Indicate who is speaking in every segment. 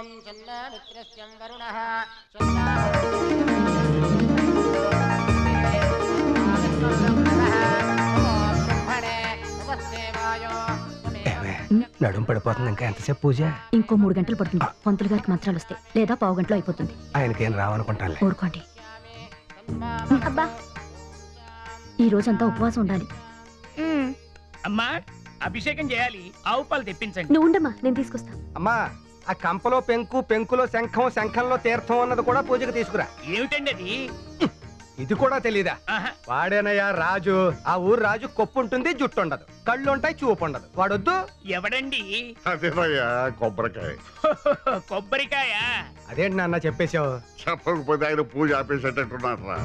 Speaker 1: నడుము పడిపోతుంది. ఇంకా ఎంతసేపు పూజ?
Speaker 2: ఇంకో 3 గంటలు పడుతుంది. పంతులు గారికి మంత్రాలు వస్తాయి, లేదా పావు గంటలో అయిపోతుంది.
Speaker 1: ఆయనకేం రావనుకుంటాను.
Speaker 2: ఊరుకోండి. అబ్బా, ఈ రోజంతా ఉపవాసం ఉండాలి.
Speaker 3: అమ్మా, అభిషేకం చేయాలి. ఆవు పాలు తెప్పించండి.
Speaker 2: నువ్వు ఉండమ్మా, నేను తీసుకొస్తా.
Speaker 1: అమ్మా, ఆ కంపలో పెంకు, పెంకులో శంఖం, శంఖంలో తీర్థం అన్నది కూడా పూజకి తీసుకురా.
Speaker 3: ఏమిటండి అది?
Speaker 1: ఇది కూడా తెలీదా? వాడేనయ్యా రాజు. ఆ ఊరు రాజు కొప్పు ఉంటుంది, జుట్టు ఉండదు, కళ్ళు ఉంటాయి, చూపు ఉండదు. వాడొద్దు.
Speaker 3: ఎవడండి?
Speaker 4: అదేనయ్యా, కొబ్బరికాయ.
Speaker 3: కొబ్బరికాయ?
Speaker 1: అదేంటి నాన్న చెప్పేశావు?
Speaker 4: చెప్పకపోతే ఆయన పూజ ఆపేసేటట్టున్నారు రా.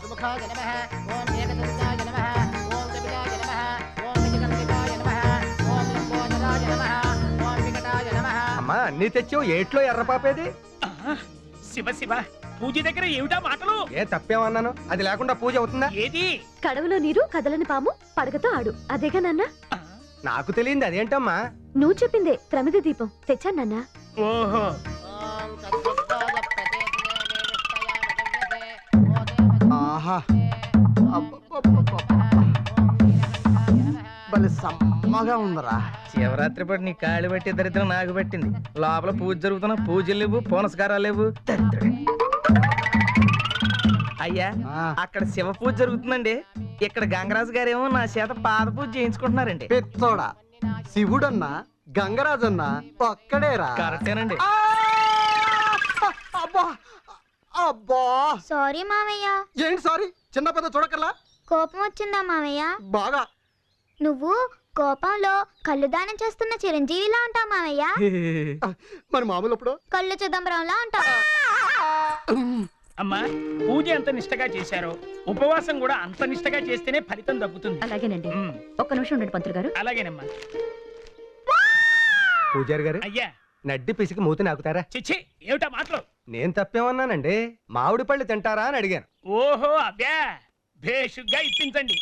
Speaker 1: అమ్మా, అన్ని తెచ్చావు, ఏట్లో ఎర్రపాపేది?
Speaker 3: శివ శివ, పూజ దగ్గర ఏమిటా మాటలు?
Speaker 1: ఏ తప్పేమన్నాను? అది లేకుండా పూజ అవుతుందా?
Speaker 3: ఏది?
Speaker 2: కడవలో నీరు, కదలని పాము, పడగతో ఆడు. అదేగా నాన్న?
Speaker 1: నాకు తెలియంది అదేంటమ్మా?
Speaker 2: నువ్వు చెప్పిందే. ప్రమిద దీపం తెచ్చాను నాన్న.
Speaker 3: ఓహో,
Speaker 5: ఆహా, భలే సమ్మగా ఉందరా.
Speaker 6: శివరాత్రి పాటు నీ కాళ్ళు పెట్టి దరిద్రం నాకు పెట్టింది. లోపల పూజ జరుగుతున్నా పూజలు లేవు, పునస్కారాలు లేవు. అయ్యా, అక్కడ శివ పూజ జరుగుతుందండి. ఇక్కడ గంగరాజు గారేమో నా చేత పాద పూజ చేయించుకుంటున్నారండి.
Speaker 5: పెచ్చోడా, శివుడన్నా గంగరాజన్నా ఒక్కడేరా.
Speaker 6: కరెక్టేనండి.
Speaker 5: అబ్బా అబ్బా,
Speaker 7: సారీ మామయ్య.
Speaker 5: ఏంటి సారీ? చిన్న పెద్ద చూడకల్లా
Speaker 7: కోపం వచ్చిందా మామయ్య?
Speaker 5: బాగా.
Speaker 7: నువ్వు కోపంలో కళ్ళు దానం చేస్తున్న చిరంజీవిలా ఉంటావు మామయ్య.
Speaker 5: మరి మామూలు అప్పుడు
Speaker 7: కళ్ళు చిదంబరంలా ఉంటావు.
Speaker 3: అమ్మా, పూజ ఎంత నిష్టగా చేశారో ఉపవాసం కూడా అంత నిష్టగా చేస్తేనే ఫలితం దక్కుతుంది.
Speaker 2: అలాగేనండి. ఒక్క నిమిషం ఉండండి పంతులు గారు.
Speaker 3: అలాగేనమ్మా.
Speaker 1: పూజారి గారు,
Speaker 3: అయ్యా,
Speaker 1: నడ్డి పిసికి మూతి నాకుతారా?
Speaker 3: చిచ్చి, ఏమిటా మాటలు?
Speaker 1: నేను తప్పేమన్నానండి? మామిడి పళ్ళు తింటారా అని అడిగాను.
Speaker 3: ఓహో, అబ్బా, భేషుగ్గా ఇప్పించండి.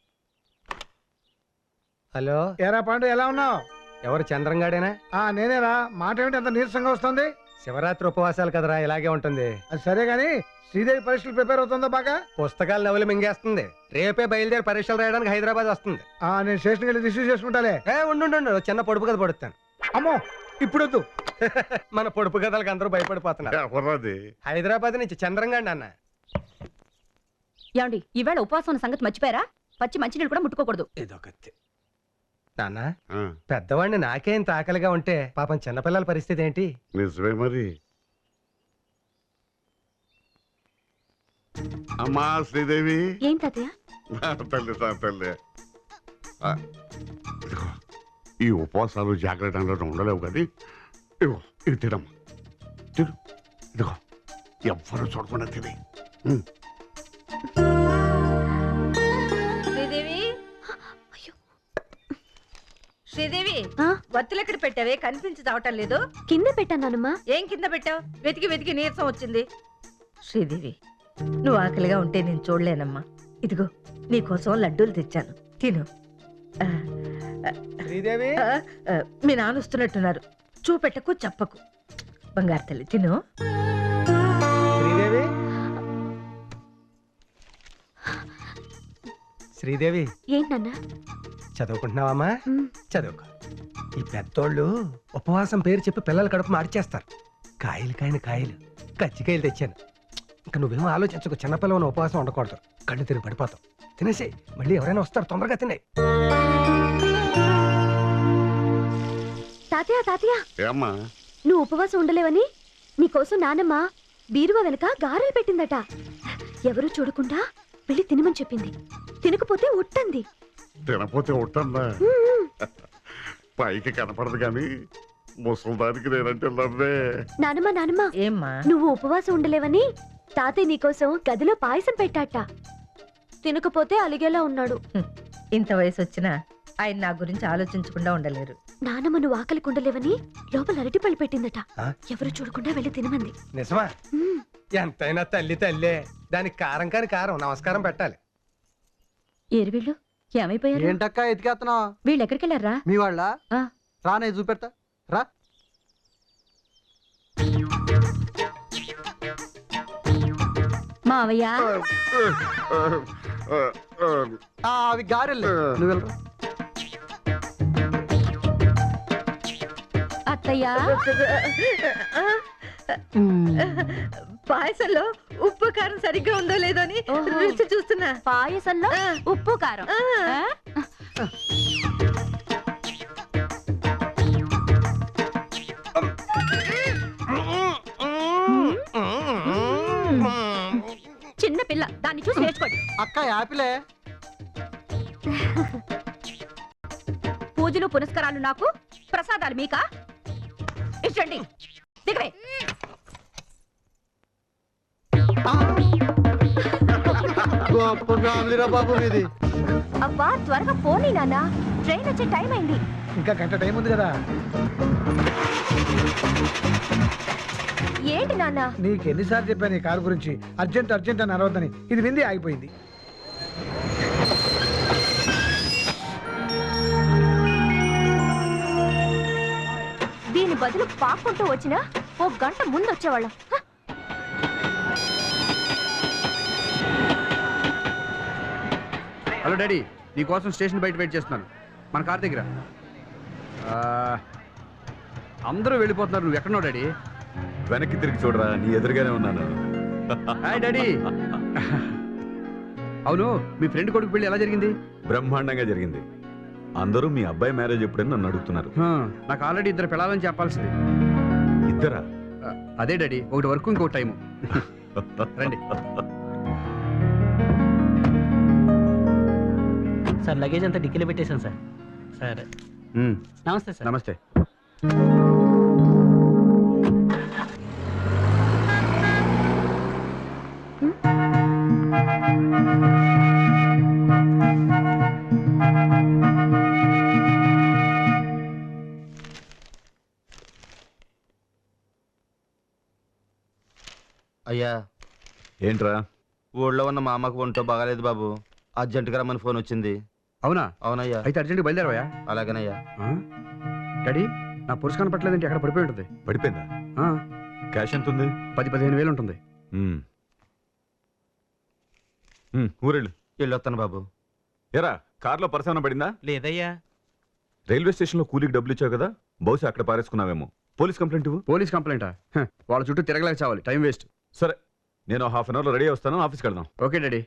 Speaker 8: హలో, ఏరా పాండు, ఎలా ఉన్నావు?
Speaker 1: ఎవరు, చంద్రంగాడేనా?
Speaker 8: నేనేరా. మాట ఏమిటి అంత నీరసంగా వస్తుంది?
Speaker 1: శివరాత్రి ఉపవాసాలు కదరా, ఇలాగే ఉంటుంది.
Speaker 8: అది సరే గాని శ్రీదేవి పరీక్షలు ప్రిపేర్ అవుతుందా బాగా?
Speaker 1: పుస్తకాలు నవలు మింగేస్తుంది. రేపే బయలుదేరి పరీక్షలు రాయడానికి హైదరాబాద్ వస్తుంది.
Speaker 8: నేను స్టేషన్కి వెళ్ళి రిసీవ్ చేసుకుంటాలే.
Speaker 1: ఉండు, చిన్న పొడుపు కథ పడుతాను.
Speaker 8: అమ్మో, ఇప్పుడొద్దు.
Speaker 1: మన పొడుపు కథలకు అందరూ భయపడిపోతున్నారు. హైదరాబాద్ నుంచి చంద్రంగాడి అన్న.
Speaker 2: ఏమండి, ఈవేళ ఉపవాసం ఉన్న సంగతి మర్చిపోయారా? పచ్చి మంచినీళ్ళు కూడా ముట్టుకోకూడదు.
Speaker 1: ఇదొకటి. నాన్న, పెద్దవాడిని నాకే ఇంత ఆకలిగా ఉంటే పాపం చిన్నపిల్లల పరిస్థితి ఏంటి?
Speaker 4: నిజమే మరి. అమ్మా శ్రీదేవి.
Speaker 2: ఏం తాతయ్య?
Speaker 4: తల్లి తల్లి, ఈ ఉపవాసాలు జాగ్రత్తలో ఉండలేవు కానీ ఇదిగో ఇది తినమ్మా. తిను, ఇదిగో ఎవ్వరు చూడకుండా తిని.
Speaker 9: శ్రీదేవి, వత్తులు ఎక్కడ పెట్టావే? కనిపించి చావటం లేదు.
Speaker 2: కింద పెట్టానమ్మా.
Speaker 9: ఏం కింద పెట్టావు? వెతికి వెతికి నీరసం వచ్చింది. శ్రీదేవి, నువ్వు ఆకలిగా ఉంటే నేను చూడలేనమ్మా. ఇదిగో నీకోసం లడ్డూలు తెచ్చాను, తిను.
Speaker 1: శ్రీదేవి,
Speaker 9: మీ నాన్న వస్తున్నట్టున్నారు. చూపెట్టకు, చెప్పకు. బంగారు తల్లి, తిను.
Speaker 1: శ్రీదేవి, శ్రీదేవి.
Speaker 2: ఏంటన్నా?
Speaker 1: చదువుకుంటున్నావమ్మా? చదువుకో. ఈ పెద్దోళ్ళు ఉపవాసం పేరు చెప్పి పిల్లల కడుపు మార్చేస్తారు. కాయలు కాయలు కజ్జికాయలు తెచ్చాను. ఇంకా నువ్వేమో ఆలోచించకు. చిన్నపిల్లవని ఉపవాసం ఉండకూడదు, కళ్ళు తిరిగి పడిపోతావు. తినేసి మళ్ళీ ఎవరైనా వస్తారు, తొందరగా తిన్నాయి.
Speaker 2: తాతయ్య, నువ్వు ఉపవాసం ఉండలేవని నీకోసం నానమ్మ బీరువా వెనక గారెలు పెట్టిందట. ఎవరు చూడకుండా వెళ్ళి తినమని చెప్పింది. తినకపోతే ఉట్టంది.
Speaker 4: తినపోతే ఉంటుందా? పైకి కనపడదు కానీ ముసలిదానికి నేనంటే నవ్వే.
Speaker 2: నానమ్మ,
Speaker 9: ఏమ్మా,
Speaker 2: నువ్వు ఉపవాసం ఉండలేవని తాతయ్య నీకోసం గదిలో పాయసం పెట్టాట. తినకపోతే అలిగేలా ఉన్నాడు.
Speaker 9: ఇంత వయసు వచ్చినా ఆయన నా గురించి ఆలోచించకుండా ఉండలేరు.
Speaker 2: నానమ్మ నువ్వు ఆకలి ఉండలేవని లోపల అరటిపళ్ళు పెట్టిందట. ఎవరు చూడకుండా వెళ్ళి తినమంది.
Speaker 1: నిజమా? ఎంతైనా తల్లే. దానికి కారం కాని కారం నమస్కారం పెట్టాలి.
Speaker 2: ఏరు వీళ్ళు ఏమైపోయారు?
Speaker 5: ఏంటక్క ఎతికేస్తున్నావు?
Speaker 2: వీళ్ళు ఎక్కడికి వెళ్ళారా?
Speaker 5: మీ వాళ్ళ రానే చూపెడతా రా.
Speaker 2: మావయ్య
Speaker 5: అవి గారెళ్ళే నువ్వు వెళ్ళరా.
Speaker 2: అత్తయ్య
Speaker 9: పాయసంలో ఉప్పు కారం సరిగ్గా ఉందో లేదో అని రుచి చూస్తున్నా.
Speaker 2: పాయసంలో ఉప్పు కారం చిన్న పిల్ల దాన్ని చూసి నేర్చుకోండి.
Speaker 5: అక్క యాపిలే.
Speaker 2: పూజలు పునస్కారాలు నాకు, ప్రసాదాలు మీకా? ఇచ్చండి దిగవే.
Speaker 5: గొప్ప ఫ్యామిలీరా బాబు మీది.
Speaker 2: అబ్బా త్వరగా పోనీ నాన్న, ట్రైన్ వచ్చే టైం అయింది.
Speaker 8: ఇంకా గంట టైం ఉంది కదా.
Speaker 2: ఏంటి నాన్న?
Speaker 8: నీకు ఎన్నిసార్లు చెప్పాను ఈ కారు గురించి, అర్జెంట్ అర్జెంట్ అని అరవద్దని. ఇది వింది ఆగిపోయింది.
Speaker 2: దీని బదులు పాక్కుంటూ వచ్చినా ఓ గంట ముందు వచ్చేవాళ్ళం.
Speaker 10: హలో డాడీ, నీకోసం స్టేషన్ బయట వెయిట్ చేస్తున్నాను, మన కార్ దగ్గర. అందరూ వెళ్ళిపోతున్నారు, నువ్వు ఎక్కడున్నావు డాడీ?
Speaker 11: వెనక్కి తిరిగి చూడరా, నీ ఎదురుగానే ఉన్నాను.
Speaker 10: Hi daddy. అవును, మీ ఫ్రెండ్ కొడుకు పెళ్లి ఎలా జరిగింది?
Speaker 11: బ్రహ్మాండంగా జరిగింది. అందరూ మీ అబ్బాయి మ్యారేజ్ ఎప్పుడని నన్ను అడుగుతున్నారు.
Speaker 10: నాకు ఆల్రెడీ ఇద్దరు పిల్లలని చెప్పాల్సింది.
Speaker 11: ఇద్దరా?
Speaker 10: అదే డాడీ, ఒకటి వర్క్ ఇంకొక టైము. రండి.
Speaker 6: సార్ లగేజ్ అంతా డిక్కీలో పెట్టేశాను సార్. సరే నమస్తే సార్.
Speaker 10: నమస్తే.
Speaker 5: అయ్యా
Speaker 11: ఏంట్రా?
Speaker 5: ఊళ్ళో ఉన్న మా అమ్మకు ఒంటో బాగాలేదు బాబు, అర్జెంటుగా రమ్మని ఫోన్ వచ్చింది.
Speaker 10: అవునా?
Speaker 5: అవునయ్యా.
Speaker 10: అయితే అర్జెంట్గా బయలుదేరవయ్యా.
Speaker 5: అలాగేనయ్యా.
Speaker 10: డాడీ, నా పురుషు కనపట్లేదంటే ఎక్కడ పడిపోయి ఉంటుంది.
Speaker 11: పడిపోయిందా? క్యాష్ ఎంత ఉంది?
Speaker 10: 10-15 వేలు ఉంటుంది.
Speaker 11: ఊరెళ్ళు.
Speaker 5: వెళ్ళొస్తాను బాబు.
Speaker 11: ఎరా, కార్లో పర్సన పడిందా?
Speaker 6: లేదయ్యా.
Speaker 11: రైల్వే స్టేషన్లో కూలీకి డబ్బులు ఇచ్చావు కదా, బహుశా అక్కడ పారేసుకున్నావేమో. పోలీస్ కంప్లైంట్ ఇవ్వు.
Speaker 10: పోలీస్ కంప్లైంటా? వాళ్ళ చుట్టూ తిరగలేక చావాలి, టైం వేస్ట్.
Speaker 11: సరే, నేను హాఫ్ అన్ అవర్లో రెడీ వస్తాను, ఆఫీస్కి వెళ్దాం.
Speaker 10: Okay daddy.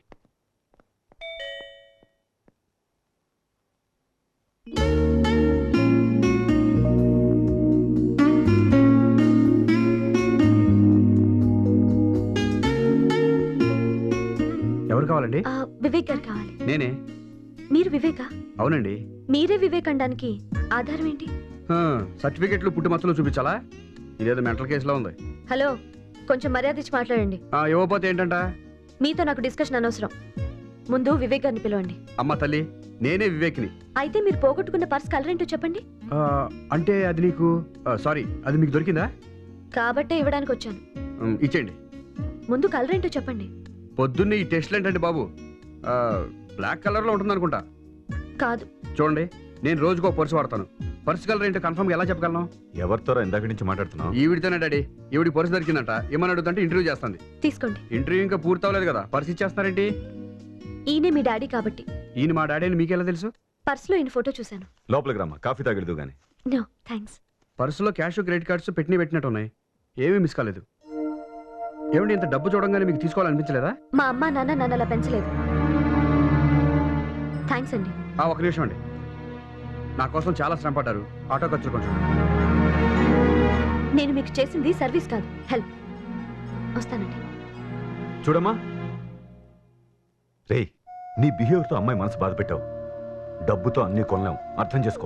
Speaker 10: ఎవరు కావాలండి?
Speaker 2: వివేక్ గారు కావాలి.
Speaker 10: నేనే.
Speaker 2: మీరు వివేకా?
Speaker 10: అవునండి.
Speaker 2: మీరే వివేక్ అనడానికి ఆధారం ఏంటి?
Speaker 10: సర్టిఫికెట్లు పుట్టుమచ్చలు చూపించాలా? ఇదేదో మెంటల్ కేసులో ఉంది.
Speaker 2: హలో, కొంచెం మర్యాద ఇచ్చి మాట్లాడండి.
Speaker 10: ఇవ్వకపోతే ఏంటంట?
Speaker 2: మీతో నాకు డిస్కషన్ అనవసరం. ముందు వివేక్ గారిని పిలవండి.
Speaker 10: అమ్మ తల్లి, నేనే వివేక్ని.
Speaker 2: అయితే మీరు పోగొట్టుకున్న పర్స్ కలర్ ఏంటో చెప్పండి.
Speaker 10: అంటే అది నీకు సారీ, అది మీకు దొరికిందా?
Speaker 2: కాబట్టే ఇవ్వడానికి వచ్చాను.
Speaker 10: ఇచ్చేయండి.
Speaker 2: ముందు కలర్ ఏంటో చెప్పండి.
Speaker 10: పొద్దున్నే ఈ టెస్ట్లు ఏంటండి బాబు? బ్లాక్ కలర్లో ఉంటుంది అనుకుంటా.
Speaker 2: కాదు.
Speaker 10: చూడండి, నేను రోజుకో పర్సు వాడతాను. పర్సు కలర్ ఏంటో కన్ఫర్మ్గా ఎలా చెప్పగలను?
Speaker 11: ఎవరితో ఇందాక నుంచి మాట్లాడుతున్నావు?
Speaker 10: ఈవిడితోనే డాడీ. ఈవిడి పర్సు దొరికిందంట, ఏమని అడుగుతుంటే ఇంటర్వ్యూ చేస్తుంది.
Speaker 2: తీసుకోండి.
Speaker 10: ఇంటర్వ్యూ ఇంకా పూర్తి అవ్వలేదు కదా, పర్సు ఇచ్చేస్తున్నారేంటి?
Speaker 2: ఈయనే మీ డాడీ కాబట్టి.
Speaker 10: ఈయన మా డాడీ అని మీకెలా తెలుసు?
Speaker 2: పర్సులో ఈయన ఫోటో చూశాను.
Speaker 11: లోపలికి రమ్మా, కాఫీ తాగలేదు కానీ.
Speaker 2: No thanks.
Speaker 10: పర్సులో క్యాష్, క్రెడిట్ కార్డ్స్ పెట్టినట్టు ఉన్నాయి, ఏమీ మిస్ కాలేదు. ఏమండి, ఇంత డబ్బు చూడంగానే మీకు తీసుకోవాలనిపించలేదా?
Speaker 2: మా అమ్మ నాన్న నన్ను అలా పెంచలేదు. థ్యాంక్స్ అండి.
Speaker 10: ఒక నిమిషం అండి, నా కోసం చాలా శ్రమ పడ్డారు, ఆటో ఖర్చులు కొంచెం.
Speaker 2: నేను మీకు చేసింది సర్వీస్ కాదు, హెల్ప్. వస్తానండి.
Speaker 11: చూడమ్మా రే, నీ బిహేవియర్తో అమ్మాయి మనసు బాధ పెట్టావు. డబ్బుతో అన్ని కొనలేం, అర్థం చేసుకో.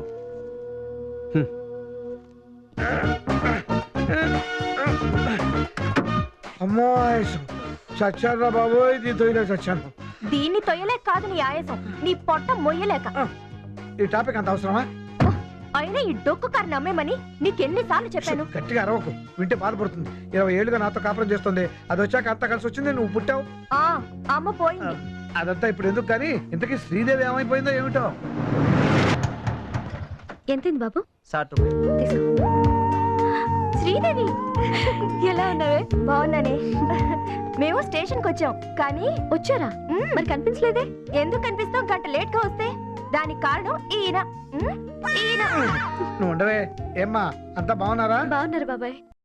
Speaker 8: అమ్మో చచ్చారా బాబు, ఇది తొయ్యలే చచ్చాను.
Speaker 2: దీన్ని తొయ్యలేక కాదు నీ ఆయాసం, నీ పొట్ట మొయ్యలేక.
Speaker 8: ఈ టాపిక్ అంత అవసరమా?
Speaker 2: అయినా ఈ డొక్కు కారు నమ్మేమని నీకెన్నిసార్లు చెప్పాను?
Speaker 8: గట్టిగా అరవకు, వింటే బాధపడుతుంది. 20 ఏళ్ళుగా నాతో కాపురం చేస్తుంది, అది వచ్చాక అంతా కలిసి వచ్చింది, నువ్వు పుట్టావు.
Speaker 2: అమ్మ పోయింది.
Speaker 8: అదంతా ఇప్పుడు ఎందుకు కానీ, ఇంతకీ శ్రీదేవి ఏమైపోయిందో ఏమిటో.
Speaker 2: ఎంతైంది బాబు?
Speaker 6: సార్
Speaker 2: తీసుకో. శ్రీదేవి ఎలా ఉన్నావే? బాగున్నానే. మేము స్టేషన్కి వచ్చాం కానీ వచ్చారా? మరి కనిపించలేదే. ఎందుకు కనిపిస్తాం? గంట లేట్ గా వస్తే దానికి కారణం ఈయన. ఈయన
Speaker 8: నువ్వు ఉండవే. ఏమ్మా అంతా బాగున్నారా?
Speaker 2: బాగున్నారు బాబాయ్.